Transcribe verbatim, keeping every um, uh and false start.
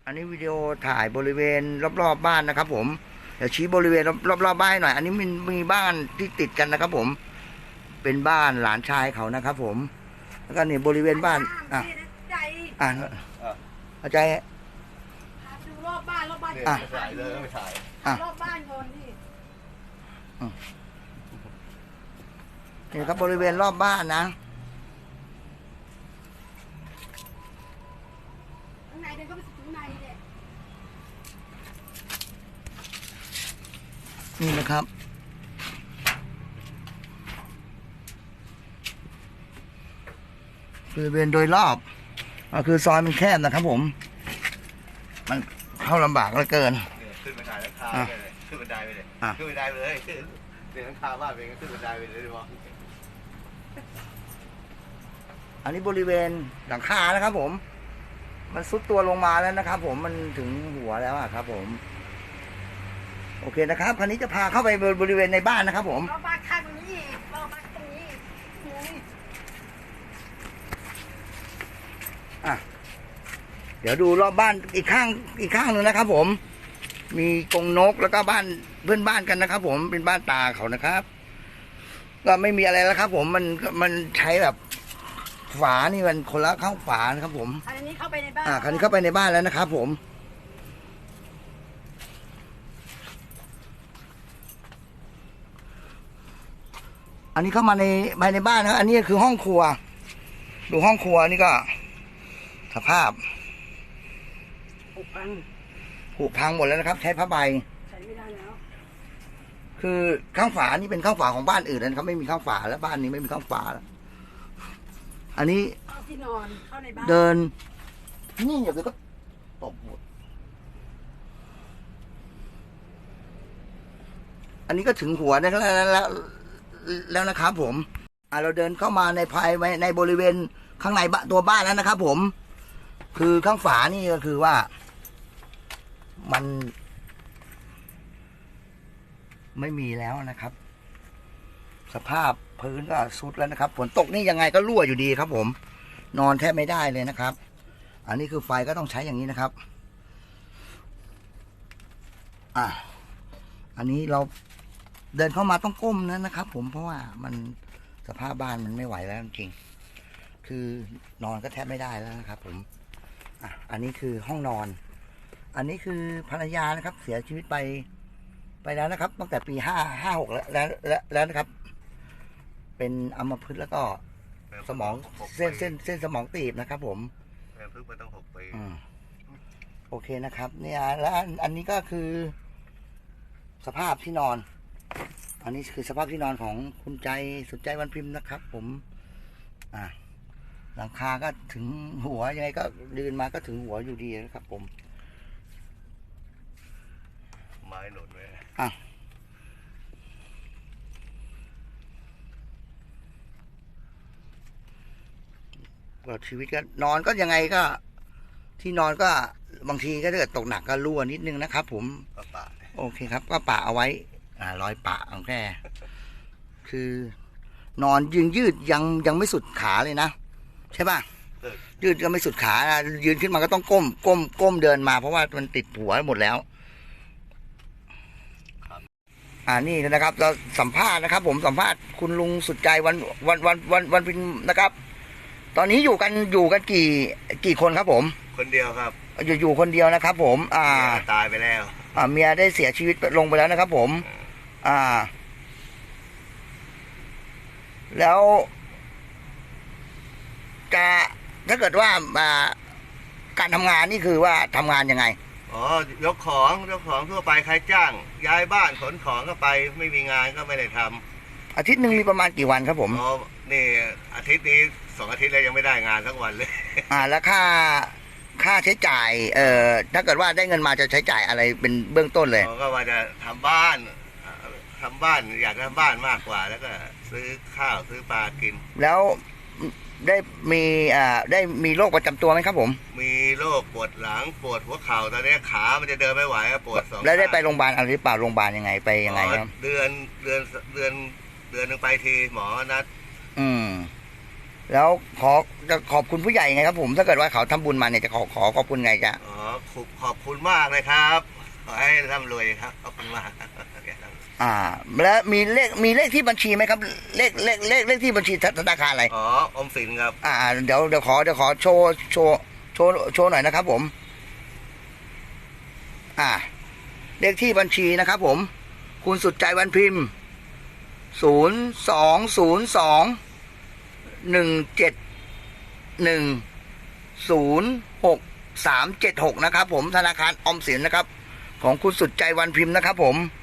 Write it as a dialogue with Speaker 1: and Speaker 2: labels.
Speaker 1: อันนี้วิดีโอถ่ายบริเวณรอบๆบ้านนะครับผมเดี๋ยวชี้บริเวณรอบๆบ้านหน่อยอันนี้มันมีบ้านที่ติดกันนะครับผมเป็นบ้านหลานชายเขานะครับผมแล้วก็นี่บริเวณบ้านอ่ะอ่ะเข้าใจ
Speaker 2: ดูรอบบ้านรอบบ้าน
Speaker 3: อ่ะถ่ายเลยไม่ถ่าย
Speaker 1: อ่ะ
Speaker 2: รอบบ้านก่อนนี่
Speaker 1: นี่ครับบริเวณรอบบ้านนะ
Speaker 2: ข้างในเดินเข้าไปถึงในเลย
Speaker 1: นี่นะครับบริเวณโดยรอบก็คือซอยมันแคบนะครับผมมันเข้าลำบากเหลือเกิน
Speaker 3: ขึ้นบันไดแล้วคาไปเลยขึ้นบันไดไปเลยขึ้นบันไดไปเลยขึ้นเดินคาบ้านไปขึ้นบันไดไปเลยดีกว่า
Speaker 1: อันนี้บริเวณหลังคานะครับผมมันซุดตัวลงมาแล้วนะครับผมมันถึงหัวแล้วครับผมโอเคนะครับคราวนี้จะพาเข้าไปบริเวณในบ้านนะครับผม
Speaker 2: รอบบ้านข้างตรงนี้รอบบ้านตรงนี้
Speaker 1: อ่ะเดี๋ยวดูรอบบ้านอีกข้างอีกข้างหนึ่งนะครับผมมีกรงนกแล้วก็บ้านเพื่อนบ้านกันนะครับผมเป็นบ้านตาเขานะครับก็ไม่มีอะไรแล้วครับผมมันมันใช้แบบฝานี่มันคนละข้างฝานะครับผม
Speaker 2: อันนี้เข้าไปในบ้าน
Speaker 1: อ่าคราวนี้เข้าไปในบ้านแล้วนะครับผมอันนี้เข้ามาในภายในบ้านนะอันนี้คือห้องครัวดูห้องครัวนี่ก็สภาพ
Speaker 2: ผุพัง
Speaker 1: ผุพังหมดแล้วนะครับใช้ผ้าใบ
Speaker 2: ใช้ไม่ได้แล้ว
Speaker 1: คือข้างฝานี่เป็นข้างฝาของบ้านอื่นนะครับไม่มีข้างฝาแล้วบ้านนี้ไม่มีข้างฝาแล้วอันนี้
Speaker 2: ที่นอนเข้าในบ้าน
Speaker 1: เดินนี่อย่าไปก็ตบหมดอันนี้ก็ถึงหัวแล้วแล้วแล้วนะครับผมอ่าเราเดินเข้ามาในภายในบริเวณข้างในตัวบ้านแล้วนะครับผมคือข้างฝานี่ก็คือว่ามันไม่มีแล้วนะครับสภาพพื้นก็ซุดแล้วนะครับฝนตกนี่ยังไงก็รั่วอยู่ดีครับผมนอนแทบไม่ได้เลยนะครับอันนี้คือไฟก็ต้องใช้อย่างนี้นะครับอ่ะอันนี้เราเดินเข้ามาต้องก้มนะนะครับผมเพราะว่ามันสภาพบ้านมันไม่ไหวแล้วจริงๆคือนอนก็แทบไม่ได้แล้วนะครับผมอ่ะอันนี้คือห้องนอนอันนี้คือภรรยานะครับเสียชีวิตไปไปแล้วนะครับตั้งแต่ปีห้าห้าหกแล้วแล้วแล้วนะครับเป็นอัมพฤกษ์แล้วก็สมองเส้นเส้นเส้นสมองตีบนะครับผม
Speaker 3: แม่พึ่งไปตั้งหกปี
Speaker 1: โอเคนะครับเนี่ยแล้วอันนี้ก็คือสภาพที่นอนอันนี้คือสภาพที่นอนของคุณใจสุดใจวันพิมพ์นะครับ ผมอ่าหลังคาก็ถึงหัวยังไงก็ยืนมาก็ถึงหัวอยู่ดีนะครับผม
Speaker 3: ไม้หนุนไว้
Speaker 1: อ่ะก็ชีวิตก็นอนก็ยังไงก็ที่นอนก็บางทีก็ถ้าเกิดตกหนักก็รั่วนิดนึงนะครับผมโอเคครับก็ปะเอาไว้อ่ารอยปะของแค่คือนอนยืนยืดยังยังไม่สุดขาเลยนะใช่ป่ะยืดก็ไม่สุดขายืนขึ้นมาก็ต้องก้มก้มก้มเดินมาเพราะว่ามันติดหัวหมดแล้วอ่านี่นะครับเราสัมภาษณ์นะครับผมสัมภาษณ์คุณลุงสุดใจวันวันวันวันวันพินนะครับ ตอนนี้อยู่กันอยู่กันกี่กี่คนครับผม
Speaker 3: คนเดียวครับ
Speaker 1: อยู่อยู่คนเดียวนะครับผมอ่า
Speaker 3: ตายไปแล้ว
Speaker 1: อ่าเมียได้เสียชีวิตลงไปแล้วนะครับผมอ่าแล้วจะถ้าเกิดว่าอ่าการทำงานนี่คือว่าทำงานยังไง
Speaker 3: อ๋อยกของยกของทั่วไปใครจ้างย้ายบ้านขนของก็ไปไม่มีงานก็ไม่ได้ท
Speaker 1: ำอาทิตย์หนึ่งมีประมาณกี่วันครับผม
Speaker 3: อ๋อนี่อาทิตย์นี้สองอาทิตย์แล้วยังไม่ได้งานทั้งวันเลย
Speaker 1: อ่าแล้วค่าค่าใช้จ่ายเอ่อถ้าเกิดว่าได้เงินมาจะใช้จ่ายอะไรเป็นเบื้องต้นเลย
Speaker 3: ก็ว่าจะทำบ้านทำบ้านอยากทำบ้านมากกว่าแล้วก็ซื้อข้าวซื้อปลากิน
Speaker 1: แล้วได้มีอ่าได้มีโรคประจำตัวไหมครับผม
Speaker 3: มีโรคปวดหลังปวดหัวเข่าตอนนี้ขามันจะเดินไม่ไหวปวดสอง
Speaker 1: แล้วได้ไปโรงพยาบาลอะไรหรือเปล่าโรงพยาบาลยังไงไปยังไงครับ
Speaker 3: เดือนเดือนเดือนเดือนนึงไปทีหมอนัด
Speaker 1: อืมแล้วขอจะขอบคุณผู้ใหญ่ไงครับผมถ้าเกิดว่าเขาทำบุญมาเนี่ยจะขอขอขอบคุณไงจ๊ะ
Speaker 3: อ๋อขอบขอบคุณมากเลยครับขอให้ร่ำรวยครับขอบคุณมาก
Speaker 1: อ่า แล้วมีเลขมีเลขที่บัญชีไหมครับ เลขเลขเลขเลขที่บัญชีธนาคารอะไร
Speaker 3: อ๋อออมสินครับ
Speaker 1: อ่าเดี๋ยวเดี๋ยวขอเดี๋ยวขอโชว์โชว์โชว์โชว์หน่อยนะครับผม อ่า เลขที่บัญชีนะครับผม คุณสุดใจวันพิมพ์ศูนย์สองศูนย์สองหนึ่งเจ็ดหนึ่งศูนย์หกสามเจ็ดหกนะครับผมธนาคารออมสินนะครับ ของคุณสุดใจวันพิมพ์นะครับผม